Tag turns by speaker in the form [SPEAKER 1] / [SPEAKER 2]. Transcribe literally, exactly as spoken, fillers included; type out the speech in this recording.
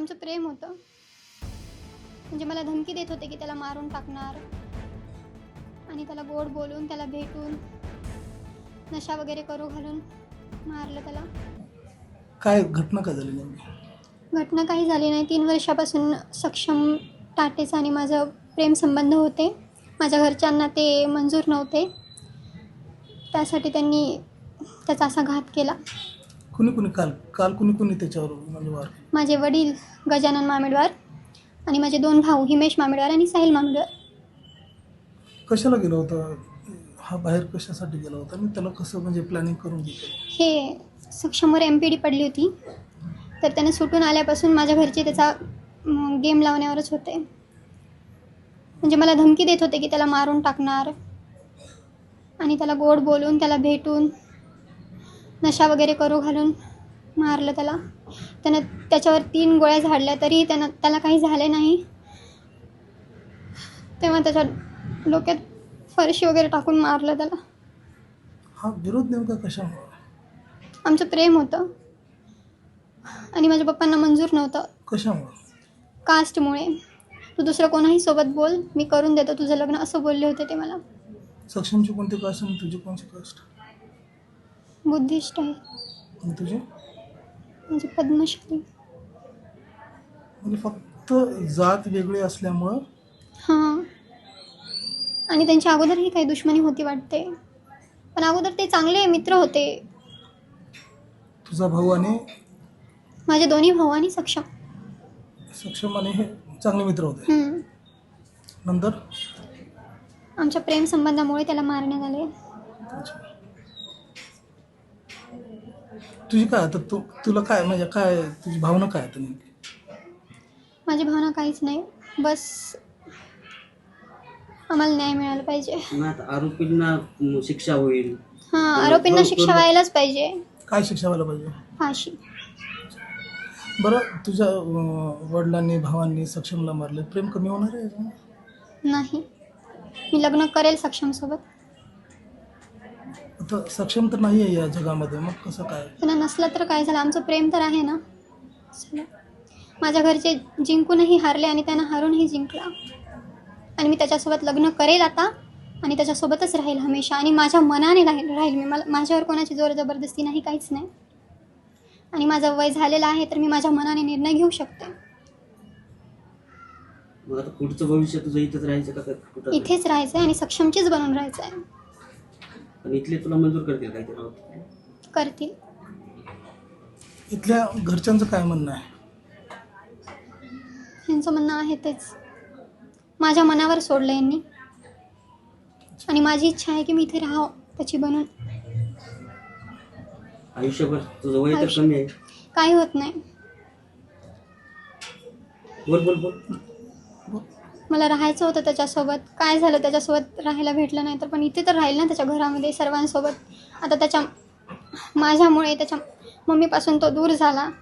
[SPEAKER 1] आमचं प्रेम होतं. म्हणजे मला धमकी देत होते की त्याला मारून टाकणार आणि त्याला गोड बोलून, त्याला भेटून, नशा वगैरे करू घालून मारलं त्याला.
[SPEAKER 2] काय घटना काय झाली नेमकी?
[SPEAKER 1] घटना काही झाली नाही. तीन वर्षापासून सक्षम टाटेचा आणि माझं प्रेमसंबंध होते. माझ्या घरच्यांना ते मंजूर नव्हते. त्यासाठी त्यांनी त्याचा असा घात केला.
[SPEAKER 2] कुणी कुणी काल काल कुणी कुणी त्याच्यावर म्हणजे वार?
[SPEAKER 1] माझे वडील गजानन मामेडवार आणि माझे दोन भाऊ हिमेश मामेडवार आणि साहिल मामेडवार.
[SPEAKER 2] कशाला गेला होता हा? बाहेर कशासाठी गेला होता आणि त्याला कसं म्हणजे प्लॅनिंग करून घेतलं?
[SPEAKER 1] हे सक्षमवर एम पी डी पडली होती, तर त्याने सुटून आल्यापासून माझ्या घरचे त्याचा गेम लावण्यावरच होते. म्हणजे मला धमकी देत होते की त्याला मारून टाकणार आणि त्याला गोड बोलून, त्याला भेटून, नशा वगैरे करू घालून मारलं त्याला. त्यानं त्याच्यावर तीन गोळ्या झाडल्या तरी त्यानं त्याला काही झाले नाही. तेव्हा त्याच्या डोक्यात फरशी वगैरे टाकून मारलं त्याला.
[SPEAKER 2] हा विरोध नेमका कशामुळे?
[SPEAKER 1] आमचं प्रेम होतं आणि माझ्या पप्पांना मंजूर नव्हतं.
[SPEAKER 2] कशामुळे?
[SPEAKER 1] कास्टमुळे. तू दुसरं कोणाही सोबत बोल, मी करून देतो तुझं लग्न, असं बोलले होते ते मला.
[SPEAKER 2] सक्षमची कोणती कास्ट आणि तुझी कोणती कास्ट?
[SPEAKER 1] बुद्धिस्ट आहे.
[SPEAKER 2] आणि तुझी?
[SPEAKER 1] म्हणजे पद्मश्री.
[SPEAKER 2] म्हणजे फक्त जात वेगळी असल्यामुळं?
[SPEAKER 1] हां. आणि त्यांच्या अगोदरही काही दुश्मनी होती वाटते, पण अगोदर ते चांगले मित्र होते.
[SPEAKER 2] तुझा भाऊ आणि
[SPEAKER 1] माझे दोन्ही भाऊ आणि सक्षम.
[SPEAKER 2] सक्षम आणि हे चांगले मित्र होते.
[SPEAKER 1] हम्म.
[SPEAKER 2] नंतर
[SPEAKER 1] आमच्या प्रेम संबंधामुळे त्याला मारण्यात आले.
[SPEAKER 2] अच्छा. तुझी काय आता तू तुला काय म्हणजे काय तुझी भावना काय आता नेमकी?
[SPEAKER 1] माझी भावना काहीच नाही, बस आम्हाला न्याय मिळाला पाहिजे.
[SPEAKER 3] मग आता आरोपींना म, शिक्षा होईल.
[SPEAKER 1] हां, आरोपींना शिक्षा व्हायलाच पाहिजे.
[SPEAKER 2] काय शिक्षा व्हायला पाहिजे?
[SPEAKER 1] फाशी.
[SPEAKER 2] बरं, तुझ्या अं, वडिलांनी भावांनी सक्षमला मारले, प्रेम कमी होणार आहे याच्यानं?
[SPEAKER 1] नाही, मी लग्न करेल सक्षमसोबत.
[SPEAKER 2] आता सक्षम तर नाही आहे या जगामध्ये, मग कसं काय?
[SPEAKER 1] त्यांना नसलं तर काय झालं, आमचं प्रेम तर आहे ना. चला. माझ्या घरचे जिंकूनही हारले आणि त्यांना हारूनही जिंकला. आणि मी त्याच्यासोबत लग्न करेल आता आणि त्याच्यासोबतच राहील हमेशा. आणि माझ्या मनाने राहील राहील मी. मला माझ्यावर कोणाची जोर जबरदस्ती नाही, काहीच नाही. आणि माझं वय झालेलं आहे, तर मी माझ्या मनाने निर्णय घेऊ शकते.
[SPEAKER 3] मग आता पुढचं भविष्य तुझं इथेच राहायचं का कुठं?
[SPEAKER 1] इथेच राहायचं आहे आणि सक्षमचीच बनून राहायचं आहे.
[SPEAKER 3] पण इथले तुला मंजूर करतील काय ते?
[SPEAKER 1] करतील.
[SPEAKER 2] इथल्या घरच्यांचं काय म्हणणं आहे?
[SPEAKER 1] यांचं म्हणणं आहे तेच. माझ्या मनावर सोडलं यांनी आणि माझी इच्छा आहे की मी इथे राहावं त्याची बनून.
[SPEAKER 3] आयुष्यभर तुझं वय तर
[SPEAKER 1] आयुष्य-
[SPEAKER 3] कमी आहे.
[SPEAKER 1] काही होत नाही.
[SPEAKER 3] बोल बोल बोल.
[SPEAKER 1] मला राहायचं होतं त्याच्यासोबत. काय झालं, त्याच्यासोबत राहायला भेटलं नाही तर, पण इथे तर राहील ना त्याच्या घरामध्ये सर्वांसोबत. आता त्याच्या माझ्यामुळे त्याच्या मम्मीपासून तो दूर झाला.